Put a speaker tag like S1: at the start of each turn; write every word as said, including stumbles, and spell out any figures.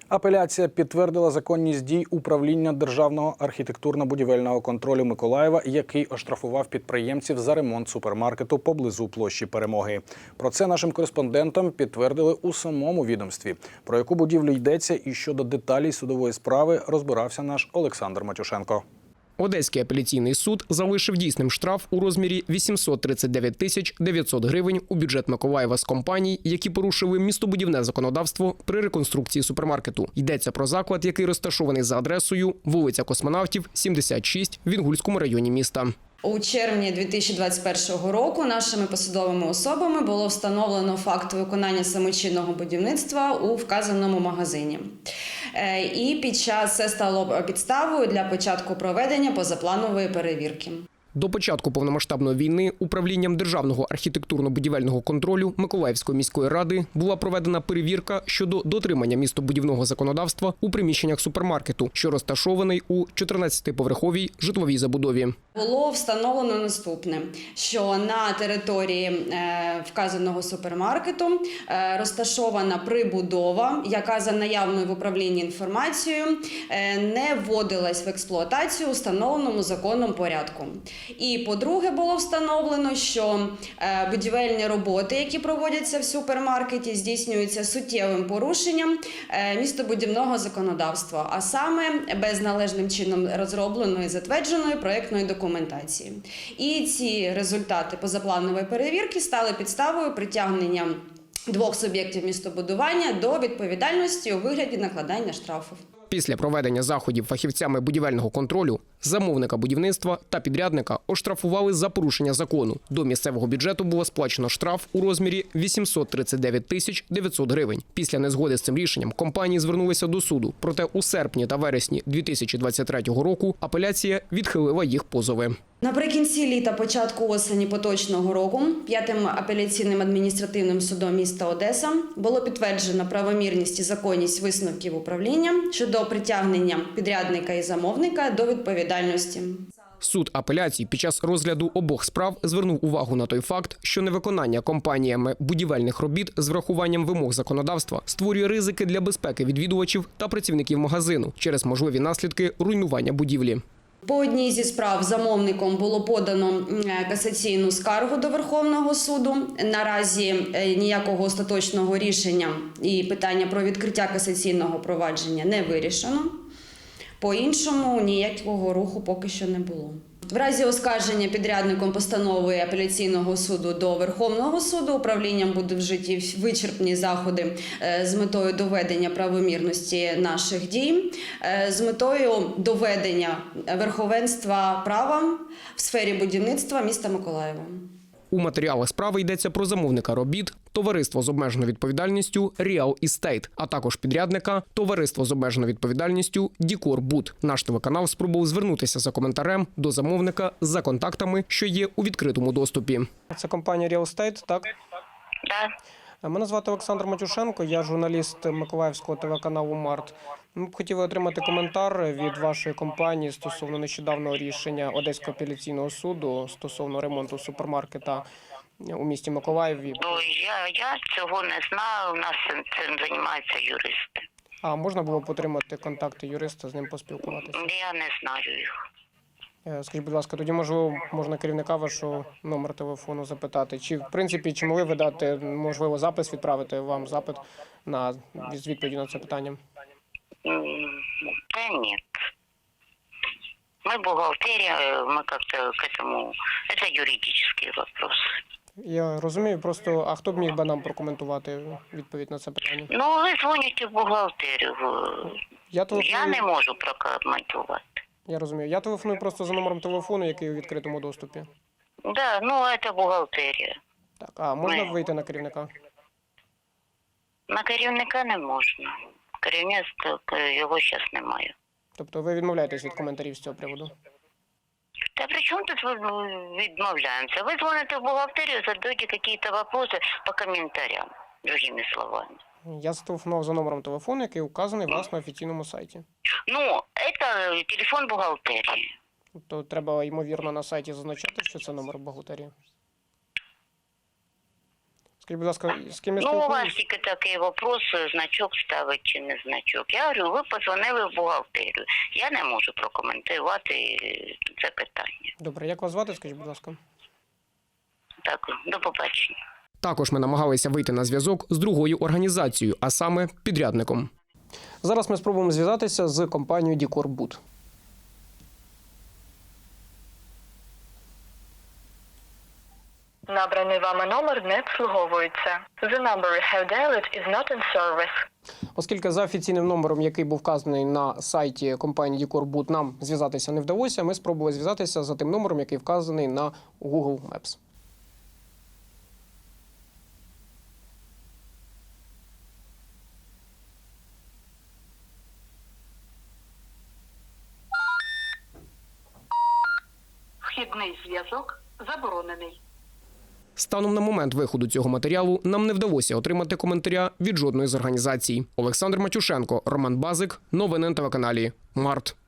S1: Апеляція підтвердила законність дій управління Державного архітектурно-будівельного контролю Миколаєва, який оштрафував підприємців за ремонт супермаркету поблизу площі Перемоги. Про це нашим кореспондентам підтвердили у самому відомстві. Про яку будівлю йдеться і щодо деталей судової справи розбирався наш Олександр Матюшенко.
S2: Одеський апеляційний суд залишив дійсним штраф у розмірі вісімсот тридцять дев'ять тисяч дев'ятсот гривень у бюджет Миколаєва з компаній, які порушили містобудівне законодавство при реконструкції супермаркету. Йдеться про заклад, який розташований за адресою вулиця Космонавтів, сімдесят шість в Інгульському районі міста.
S3: У червні дві тисячі двадцять першого року нашими посадовими особами було встановлено факт виконання самочинного будівництва у вказаному магазині. І під час це стало підставою для початку проведення позапланової перевірки.
S2: До початку повномасштабної війни управлінням Державного архітектурно-будівельного контролю Миколаївської міської ради була проведена перевірка щодо дотримання містобудівного законодавства у приміщеннях супермаркету, що розташований у чотирнадцятиповерховій житловій забудові.
S3: Було встановлено наступне, що на території вказаного супермаркету розташована прибудова, яка за наявною в управлінні інформацією не вводилась в експлуатацію у встановленому законом порядку. І, по-друге, було встановлено, що будівельні роботи, які проводяться в супермаркеті, здійснюються суттєвим порушенням містобудівного законодавства, а саме без належним чином розробленої, затвердженої проєктної документації. І ці результати позапланової перевірки стали підставою притягнення двох суб'єктів містобудування до відповідальності у вигляді накладання штрафів.
S2: Після проведення заходів фахівцями будівельного контролю замовника будівництва та підрядника оштрафували за порушення закону. До місцевого бюджету було сплачено штраф у розмірі вісімсот тридцять дев'ять тисяч дев'ятсот гривень. Після незгоди з цим рішенням компанії звернулися до суду. Проте у серпні та вересні дві тисячі двадцять третього року апеляція відхилила їх позови.
S3: Наприкінці літа, початку осені поточного року п'ятим апеляційним адміністративним судом міста Одеса було підтверджено правомірність і законність висновків управління щодо притягнення підрядника і замовника до відповідальності.
S2: Суд апеляції під час розгляду обох справ звернув увагу на той факт, що невиконання компаніями будівельних робіт з врахуванням вимог законодавства створює ризики для безпеки відвідувачів та працівників магазину через можливі наслідки руйнування будівлі.
S3: По одній зі справ замовником було подано касаційну скаргу до Верховного суду. Наразі ніякого остаточного рішення і питання про відкриття касаційного провадження не вирішено. По-іншому ніякого руху поки що не було. В разі оскарження підрядником постанови апеляційного суду до Верховного суду управлінням будуть вжиті вичерпні заходи з метою доведення правомірності наших дій, з метою доведення верховенства права в сфері будівництва міста Миколаєва.
S2: У матеріалах справи йдеться про замовника робіт, товариство з обмеженою відповідальністю Real Estate, а також підрядника товариство з обмеженою відповідальністю Дікор Буд. Наш телеканал спробував звернутися за коментарем до замовника за контактами, що є у відкритому доступі. Це компанія Real Estate, так?
S4: Так.
S2: Мене звати Олександр Матюшенко, я журналіст Миколаївського телеканалу «Март». Ми б хотіли отримати коментар від вашої компанії стосовно нещодавнього рішення Одеського апеляційного суду стосовно ремонту супермаркета у місті Миколаєві.
S4: Ну, я, я цього не знаю, у нас цим, цим займаються юристи.
S2: А можна було б отримати контакти юриста, з ним поспілкуватися?
S4: Я не знаю їх.
S2: Скажіть, будь ласка, тоді, можливо, можна керівника вашого номер телефону запитати. Чи, в принципі, чи могли ви дати, можливо, запис, відправити вам запит на з відповіді на це питання?
S4: Да нет. Мы бухгалтерия, мы как-то к этому... Это юридический вопрос.
S2: Я розумію, просто, а хто б міг би нам прокоментувати відповідь на це питання?
S4: Ну, ви дзвоните в бухгалтерію.
S2: Я, телефоную...
S4: Я не можу прокоментувати.
S2: Я розумію. Я телефоную просто за номером телефону, який у відкритому доступі.
S4: Да, ну, це бухгалтерія.
S2: Так, а можна
S4: Ми...
S2: вийти на керівника?
S4: На керівника не можна. Керівництва його зараз немає.
S2: Тобто ви відмовляєтесь від коментарів з цього приводу?
S4: Та при чому тут відмовляємося? Ви дзвоните в бухгалтерію, задаєте якісь питання по коментарям, другими словами.
S2: Я зателефонував за номером телефону, який указаний у вас на офіційному сайті.
S4: Ну, це телефон бухгалтерії.
S2: Тобто треба, ймовірно, на сайті зазначати, що це номер бухгалтерії? Скажіть, будь ласка, з ким я
S4: Ну, у вас
S2: спілкуюсь?
S4: тільки такий вопрос, значок ставить чи не значок. Я говорю, ви позвонили в бухгалтерію. Я не можу прокоментувати це питання.
S2: Добре, як вас звати, скажіть, будь ласка?
S4: Так, до побачення.
S2: Також ми намагалися вийти на зв'язок з другою організацією, а саме підрядником. Зараз ми спробуємо зв'язатися з компанією «Дікорбуд».
S5: Набраний вами номер не обслуговується. The number you have dialed is not in service.
S2: Оскільки за офіційним номером, який був вказаний на сайті компанії «Дікорбуд», нам зв'язатися не вдалося, ми спробували зв'язатися за тим номером, який вказаний на Google Maps.
S5: Вхідний зв'язок заборонений.
S2: Станом на момент виходу цього матеріалу нам не вдалося отримати коментаря від жодної з організацій. Олександр Матюшенко, Роман Базик. Новини на телеканалі Март.